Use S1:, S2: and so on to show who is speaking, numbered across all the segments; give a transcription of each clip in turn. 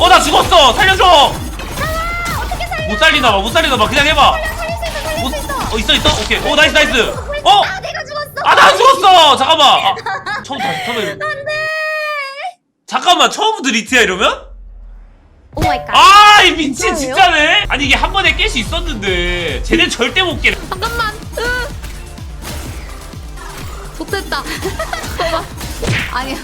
S1: 나 죽었어. 살려줘.
S2: 어떻게 살려?
S1: 못 살리나봐. 못 살리나봐. 그냥 해봐.
S2: 살릴 수 있어, 살릴 수 있어.
S1: 있어. 오케이. 나이스.
S2: 아, 내가 죽었어.
S1: 나 죽었어. 잠깐만. 처음 다시 처음에.
S2: 안돼.
S1: 잠깐만. 처음부터 리트야 이러면?
S2: 오 마이 갓.
S1: 이 미친 진짜네. 아니 이게 한 번에 깰 수 있었는데 쟤는 절대 못 깨.
S3: 잠깐만. 못됐다. 봐봐. 아니야.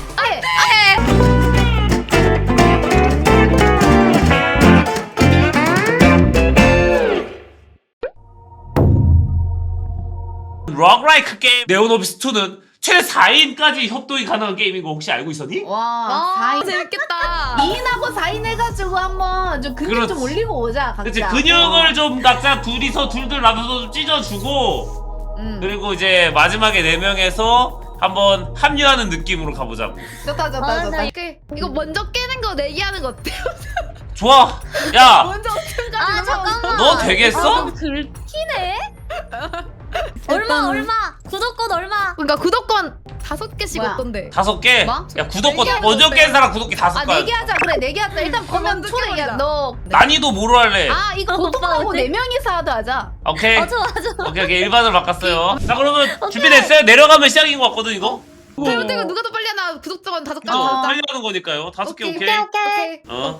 S1: 록라이크 게임 네오노비스 2는 최대 4인까지 협동이 가능한 게임인 거 혹시 알고 있었니?
S3: 와, 4인
S2: 재밌겠다.
S3: 2인하고 4인 해가지고 한번 좀 근육
S1: 그렇지.
S3: 좀 올리고 오자. 각자.
S1: 그치 근육을 좀 각자 둘이서 둘둘 나눠서 좀 찢어주고 그리고 이제 마지막에 4명에서 한번 합류하는 느낌으로 가보자고.
S3: 좋다.
S2: 나
S3: 이거 먼저 깨는 거 내기하는 거 어때요?
S1: 좋아. 야
S3: 먼저 어떻게까지
S2: 아 잠깐만.
S1: 너 되겠어?
S2: 긁히네. 얼마? 구독권 얼마?
S3: 그러니까 구독권 5개씩
S2: 뭐야?
S3: 어떤데?
S1: 5개?
S3: 뭐?
S1: 야 구독권
S3: 내기하는
S1: 먼저
S3: 거 어때?
S1: 깬 사람 구독기 5개.
S3: 내기 하자. 그래, 내기 하자. 일단 보면
S2: 먼저
S3: 초대야.
S2: 깨보자.
S3: 너.
S1: 난이도 뭐로 할래?
S3: 이거 보통하고
S2: 어때?
S3: 4명이서 하도 하자.
S1: 오케이.
S2: 좋아.
S1: 오케이 일반으로 바꿨어요. 자 그러면 준비됐어요? 내려가면 시작인 것 같거든 이거?
S3: 잘못된 누가 더 빨리 하나 구독권 5개.
S1: 그죠? 빨리 하는 거니까요. 5개 오케이.
S2: 오케이.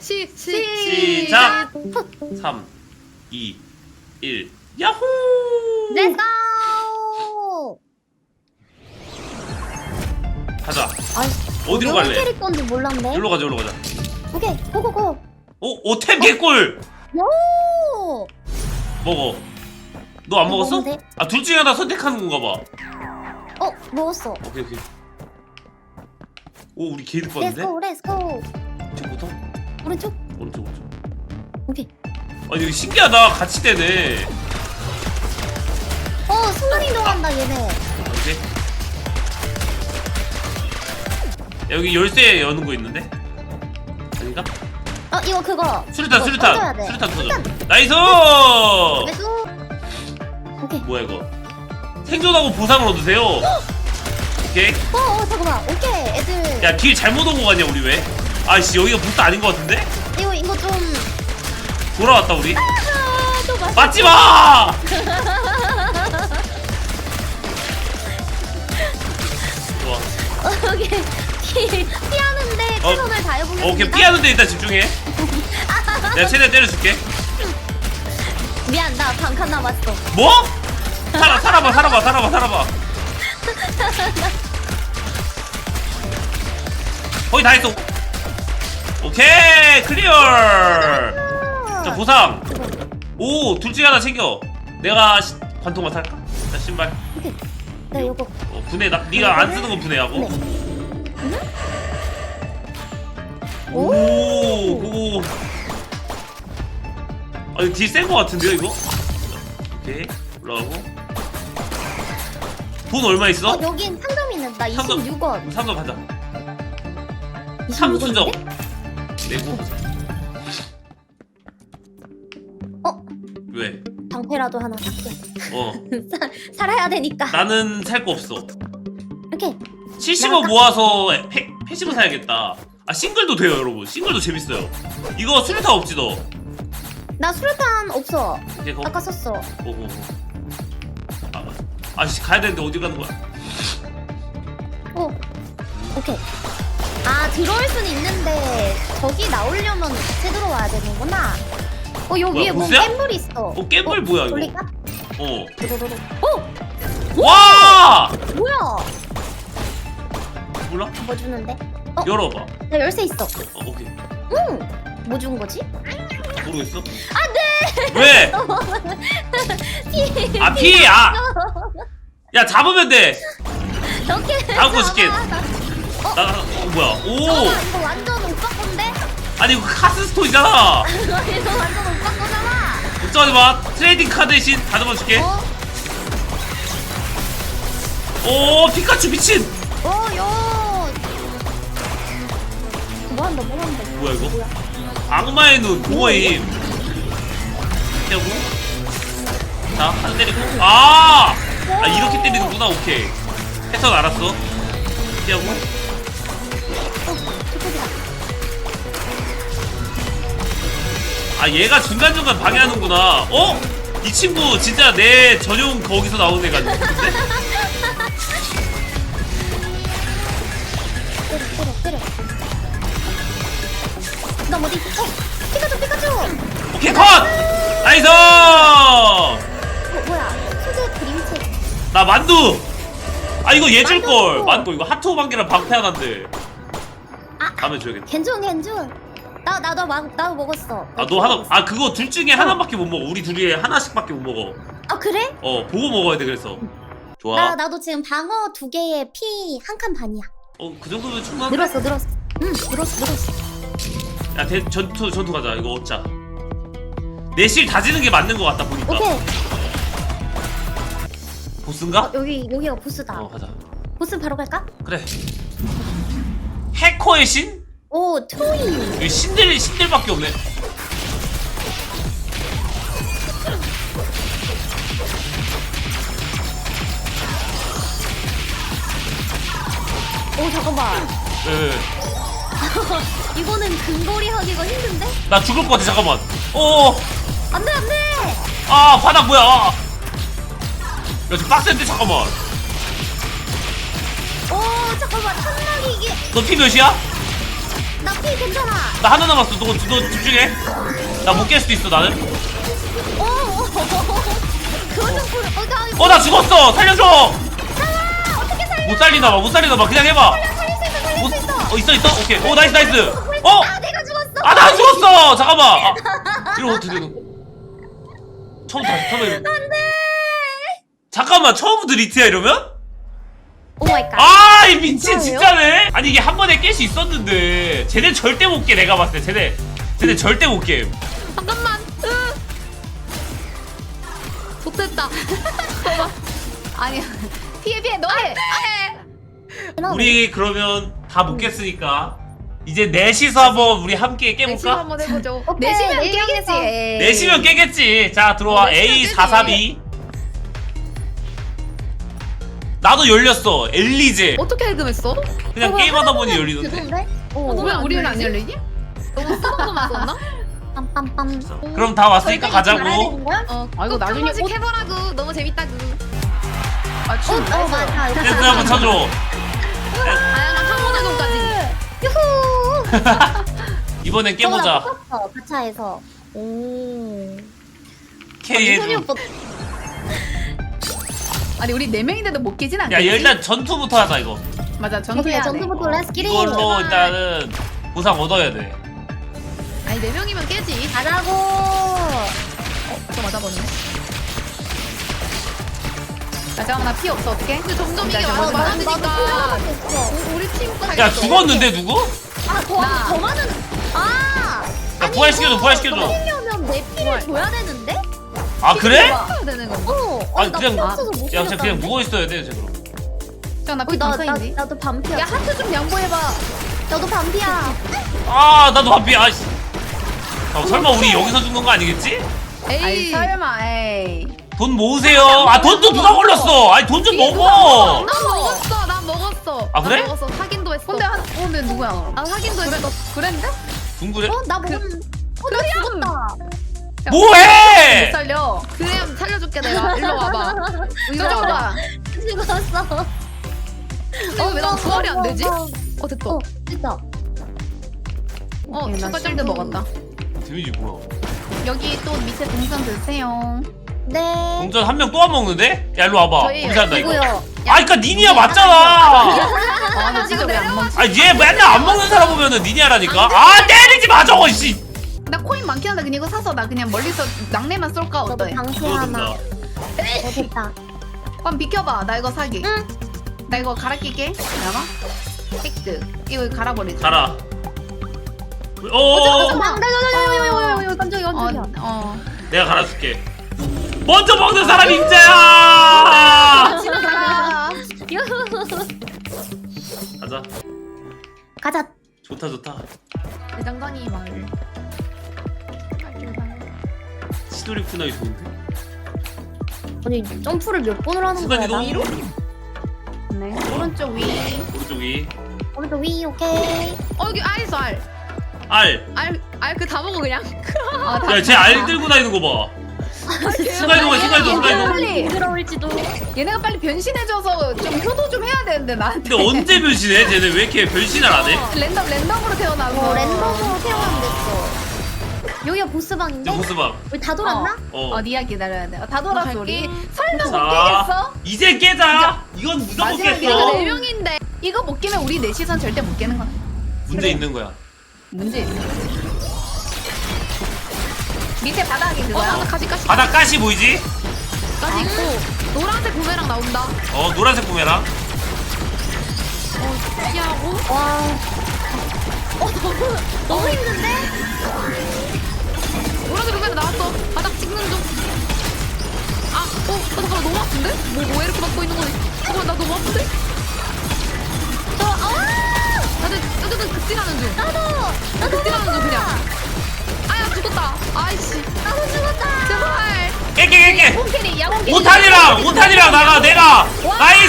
S1: 시작. 3, 2, 1. 야호!
S2: Let's go.
S1: 가자.
S2: 아이,
S1: 어디로
S2: 어려운
S1: 갈래?
S2: 캐릭터인지 몰랐네.
S1: 여기로 가자.
S2: 오케이, 고고고.
S1: 오템 개꿀.
S2: 오.
S1: 먹어. 너 안 먹었어?
S2: 먹으면 돼?
S1: 둘 중에 하나 선택하는 건가 봐.
S2: 먹었어.
S1: 오케이. 오 우리 개이득
S2: Let's
S1: 봤는데?
S2: go, let's go.
S1: 지금부터?
S2: 오른쪽.
S1: 오른쪽.
S2: 오케이.
S1: 아니 이거 신기하다. 같이 되네.
S2: 순간 이동한다 얘네.
S1: 오케이. 여기 열쇠 여는 거 있는데? 아닌가?
S2: 이거 그거.
S1: 수류탄
S2: 이거
S1: 수류탄
S2: 터져야 돼.
S1: 수류탄 터져. 나이스!
S2: 매수. 오케이.
S1: 뭐야 이거? 생존하고 보상을 얻으세요. 오케이.
S2: 잠깐만. 오케이. 애들.
S1: 야 길 잘못 온 거 같냐 우리 왜? 아이씨 여기가 보스 아닌 거 같은데?
S2: 이거 좀.
S1: 돌아왔다 우리.
S2: 또 맞.
S1: 맞지 마! 좋아.
S2: 오케이. 피하는데 최선을 다해보겠습니다.
S1: 오케이 피하는데 일단 집중해. 내가 최대한 때려줄게.
S2: 미안, 나 반칸 남았어.
S1: 뭐? 살아봐. 거의 다 했어. 오케이 클리어. 자 보상. 오 둘 중에 하나 챙겨. 내가 관통만 살까? 자 신발.
S2: 네, 요거.
S1: 분해 네가 안 쓰는 건 분해하고. 오 그거. 이거 딜 센 거 같은데요 이거? 오케이 올라가고. 돈 얼마 있어?
S2: 여긴 상점이 있는. 나
S1: 상점.
S2: 26원.
S1: 상점 가자.
S2: 26원
S1: 삼수정
S2: 인데?
S1: 내고. 왜?
S2: 방패라도 하나 살게. 살아야 되니까.
S1: 나는 살 거 없어.
S2: 이렇게.
S1: 75 모아서 패시브 사야겠다. 싱글도 돼요 여러분. 싱글도 재밌어요. 이거 수류탄 없지 너?
S2: 나 수류탄 없어.
S1: 오케이 거.
S2: 아까 썼어.
S1: 오고. 아씨 가야 되는데 어디 가는 거야?
S2: 오케이. 들어올 수는 있는데 저기 나오려면 같이 들어와야 되는구나. 요
S1: 뭐야,
S2: 위에 뭐
S1: 보스야?
S2: 깻물 있어.
S1: 깻물 뭐야 이거?
S2: 돌릴까? 도도도도.
S1: 와!
S2: 뭐야?
S1: 몰라?
S2: 뭐 주는데?
S1: 열어봐.
S2: 나 열쇠 있어.
S1: 오케이.
S2: 뭐 준 거지?
S1: 모르겠어? 안돼! 왜? 피! 야 잡으면 돼!
S2: 이렇게.
S1: 다음 거 줄게. 뭐야? 오!
S2: 이거 완전 오빠 건데?
S1: 아니 이거 카스스톤이잖아!
S2: 이거 완전 오빠 거잖아.
S1: 걱정하지 마. 트레이딩 카드 대신 다듬어 줄게. 오 피카츄 미친!
S2: 뭐 한다.
S1: 뭐야 이거? 악마의 눈 공허임. 피하고. 자 한 때리고. 이렇게 때리는구나. 오케이. 패턴 알았어. 피하고. 아 얘가 중간중간 방해하는구나. 어? 이 친구 진짜 내 전용 거기서 나오는 애가 같은데?
S2: 때려. 나 어디? 피카츄.
S1: 오케이 컷! 나이스!
S2: 뭐야? 수제 그림책.
S1: 나 만두! 아 이거 얘 줄걸. 만두 이거 하트 오만개랑 방패 하나인데. 다음에 줘야겠다.
S2: 괜찮. 나도 먹었어.
S1: 아 너 하나, 아 그거 둘 중에 하나밖에 못 먹어. 우리 둘이 하나씩밖에 못 먹어.
S2: 아 그래?
S1: 보고 먹어야 돼. 그래서 좋아.
S2: 나도 지금 방어 2개에 피 1칸 반이야.
S1: 그 정도면 충분한데?
S2: 늘었어. 응, 늘었어.
S1: 야 전투 가자. 이거 얻자. 내실 다지는 게 맞는 것 같다 보니까.
S2: 오케이.
S1: 보스인가?
S2: 여기가 보스다.
S1: 가자.
S2: 보스 바로 갈까?
S1: 그래. 해커의 신?
S2: 오, 트로이.
S1: 여기 신들밖에 없네.
S2: 오, 잠깐만.
S1: 예.
S2: 이거는 근거리 하기가 힘든데?
S1: 나 죽을 것 같아. 잠깐만.
S2: 안 돼.
S1: 아 바닥 뭐야? 야 지금 빡센데 잠깐만.
S2: 오, 잠깐만. 탄막이 이게.
S1: 너 피 몇이야?
S2: 나 피 괜찮아.
S1: 나 하나 남았어. 너 집중해. 나 못 깰 수도 있어 나는.
S2: 오. 그거 좀 보여.
S1: 나 죽었어. 살려줘.
S2: 어떻게 살려?
S1: 못 살리나 봐. 그냥 해봐.
S2: 살릴 수 있어.
S1: 있어. 오케이. 나이스.
S2: 아, 내가 죽었어.
S1: 나 죽었어. 잠깐만. 이러면 어떻게 되는? 처음에.
S2: 안돼.
S1: 잠깐만. 처음부터 리트야 이러면?
S2: 오 마이 갓.
S1: 아, 이 미친
S2: 진짜예요?
S1: 진짜네. 아니 이게 한 번에 깰 수 있었는데 쟤네 절대 못 깨. 내가 봤을 때 쟤네 절대 못 깨.
S3: 잠깐만. 좋됐다. 아니야. 피해 너해.
S1: 우리 그러면 다 못 깼으니까 이제 넷이서 한번 우리 함께
S3: 내시면
S1: 깨볼까?
S3: 한번 해보죠.
S2: 오케이,
S3: 내시면
S2: 내시면
S3: 깨겠지.
S1: 넷이면 깨겠지. 자 들어와.
S3: 내시면
S1: A432. 나도 열렸어. 엘리제.
S3: 어떻게 해금했어?
S1: 그냥 게임하다 보니 열리던데.
S2: 죄송한데?
S3: 왜 우리는 안 열리지? 너무 쓰던 것만 썼나?
S2: 빰빰빰.
S1: 그럼 다 왔으니까 가자고.
S3: 아 이거 나중에 꼭 해보라고. 너무 재밌다고. 아 춤.
S2: 맞아.
S1: 댄스 한번 쳐줘.
S3: 다양한 항문활동까지.
S2: 유후.
S1: 이번엔 깨보자.
S2: 가차에서.
S3: 오.
S1: K
S2: 현이
S1: 해줘.
S2: 오빠.
S3: 아니 우리 4명인데도 못 깨진 않겠지?
S1: 야 일단 전투부터 하자 이거.
S3: 맞아 전투 해야 돼.
S2: 전투부터 렛츠 기릿.
S1: 이걸로 일단은 보상 얻어야 돼.
S3: 아니 4명이면 깨지.
S2: 가자고.
S3: 저 맞아버리네. 아 잠깐만 나 피 없어 어떡해? 근데 점점 이게
S2: 나도
S3: 많아지니까 우리 팀 거.
S1: 야 죽었는데 누구?
S2: 더 많은.
S1: 야 부활시켜줘.
S2: 하려면 내 피를 줘야 되는데?
S1: 아 그래?
S3: 해야 되는 건가?
S1: 아니
S2: 나
S1: 그냥
S2: 피 없어서 못
S1: 야 그냥
S2: 죽였다는데?
S1: 누워 있어야 돼 쟤 그럼.
S3: 잠깐 나피 반사인지.
S2: 나도 반피야.
S3: 야 하트 좀 양보해봐.
S2: 나도 반피야.
S1: 아 나도 바삐. 아씨. 설마 우리 여기서 죽는 거 아니겠지?
S3: 에이 설마 에이.
S1: 돈 모으세요. 아 돈도 누가 걸렸어? 아니 돈 좀 먹어.
S3: 난 먹었어.
S1: 아, 그래?
S3: 난 먹었어. 확인도 했어. 근데 누구야? 아 확인도 했어. 그랬는데?
S1: 둥그래?
S2: 나 먹은. 나 죽었다.
S1: 뭐해?
S3: 못 살려. 그냥 살려줄게 내가. 일로 와봐. 이거 줘봐.
S2: 죽었어.
S3: 왜난 부활이 안 되지? 됐다.
S2: 됐다.
S3: 추가 짤드 먹었다.
S1: 데미지 뭐야?
S3: 여기 또 밑에 동선 드세요.
S2: 네.
S1: 동전 한 명 또 안 먹는데? 야 일로 와봐.
S3: 저희
S1: 공사한다 이거.
S2: 누구요?
S1: 아 그니까 니니야 맞잖아.
S3: 나 지금 왜안 먹지?
S1: 아얘 맨날 안 먹는 사람 보면은 니니야라니까. 아 때리지 마 저거 씨.
S3: 나 코인 많긴 한데 그냥 이거 사서 나 그냥 멀리서 낙내만 쏠까
S2: 너도
S3: 어때?
S2: 방패 하나. 됐다.
S3: 그럼 비켜봐. 나 이거 사기.
S2: 응.
S3: 나 이거 갈아 끼게. 잠깐만. 획득. 이거 갈아버리자.
S1: 가라. 오.
S2: 깜짝이야.
S1: 내가 갈아줄게. 먼저 먹는 사람 임자야.
S3: 집에 가라.
S1: 가자.
S2: 가자.
S1: 좋다.
S3: 대장장이 마을.
S1: 시도리 푸나이 좋은데?
S2: 아니 점프를 몇 번을 하는
S1: 순간
S2: 거야?
S1: 이동 1호?
S3: 네. 오른쪽 위.
S1: 오른쪽 위.
S2: 오른쪽 위 오케이.
S3: 여기 알있어 알.
S1: 알.
S3: 그 다 먹어 그냥.
S1: 야, 쟤 알 들고 다니는 거 봐. 순간이동해, 순간이동, 순간이동.
S4: 빨리
S2: 부끄러울지도.
S4: 얘네가 빨리 변신해줘서 좀 효도 좀 해야 되는데 나한테.
S1: 근데 언제 변신해? 쟤네 왜 이렇게 변신을 안 해?
S4: 랜덤으로 태어나서.
S2: 랜덤으로 태어나면 됐어. 여기가 보스방인데?
S1: 이제 보스방.
S2: 우리 다 돌았나?
S4: 어디야 기다려야 돼. 다 돌았어 우리.
S3: 갈게.
S4: 설마 못
S1: 자,
S4: 깨겠어?
S1: 이제 깨자. 이건 누가 못
S4: 마지막에
S1: 깼어?
S3: 네 명인데.
S4: 이거 못 깨면 우리 넷이선 절대 못 깨는 거야.
S1: 문제 있는 거야.
S4: 문제 있어. 밑에 바닥이 그거야.
S3: 나 가지
S1: 바닥 가시 보이지?
S3: 있고 노란색 구매랑 나온다.
S1: 노란색 부메랑.
S3: 피하고.
S2: 와. 너무 힘든데?
S3: 노란색 구매랑 나왔어. 바닥 찍는 중. 잠깐만 너무 아픈데? 뭐 이렇게 맞고 있는 거지? 잠깐만 나 너무 아픈데? 다들 뜨뜨뜨 극딜하는 중. 나도 극딜하는 중 그냥. 아야 죽었다. 아이씨.
S2: 나도 죽었다.
S3: 제발.
S1: 깨.
S4: 홈캐리 야홈캐리.
S1: 오탄이랑 나가 내가. 나이스.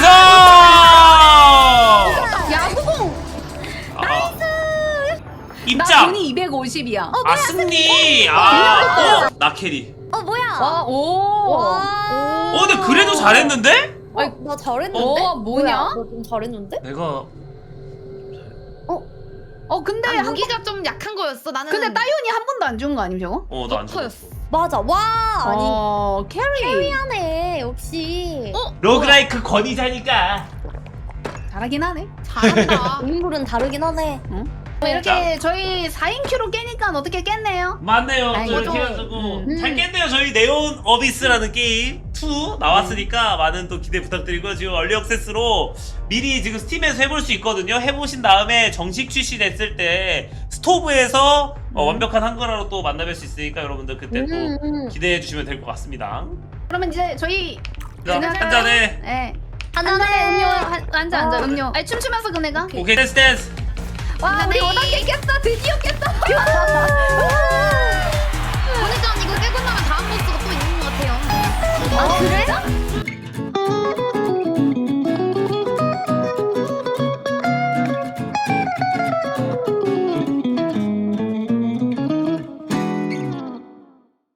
S4: 야구공.
S1: 아,
S4: 나
S1: 입장.
S4: 돈이 250이야.
S1: 아 승리. 나 캐리.
S2: 뭐야?
S4: 와, 오.
S2: 와.
S1: 근데 그래도 잘했는데?
S2: 나 잘했는데?
S4: 뭐냐?
S2: 너 좀 잘했는데?
S1: 내가
S4: 근데
S3: 아, 무기가 좀 약한 거였어. 나는.
S4: 근데 따윤이 한 번도 안 준 거 아님 저거?
S1: 나 안 죽었어.
S3: 터였어.
S2: 맞아. 와. 아니.
S4: 캐리.
S2: 캐리하네. 역시.
S1: 로그라이크 권위자니까.
S4: 잘하긴 하네.
S3: 잘한다.
S2: 인물은 다르긴 하네.
S4: 이렇게 저희 4인 큐로 깨니까 어떻게 깼네요?
S1: 맞네요. 또
S4: 아이고.
S1: 이렇게 해가지고
S4: 음.
S1: 잘 깼네요. 저희 네온 어비스라는 게임 2 나왔으니까 많은 또 기대 부탁드리고 지금 얼리 액세스로 미리 지금 스팀에서 해볼 수 있거든요. 해보신 다음에 정식 출시됐을 때 스토브에서 완벽한 한글화로 또 만나뵐 수 있으니까 여러분들 그때 또 기대해 주시면 될 것 같습니다.
S4: 그러면 이제 저희
S1: 자, 한 잔에
S4: 네.
S2: 하나네.
S4: 음료 한잔
S2: 음료.
S4: 아니 춤추면서 그네가.
S1: 오케이 댄스.
S4: 와 우리
S3: 네.
S4: 5단계 깼다. 드디어 깼다.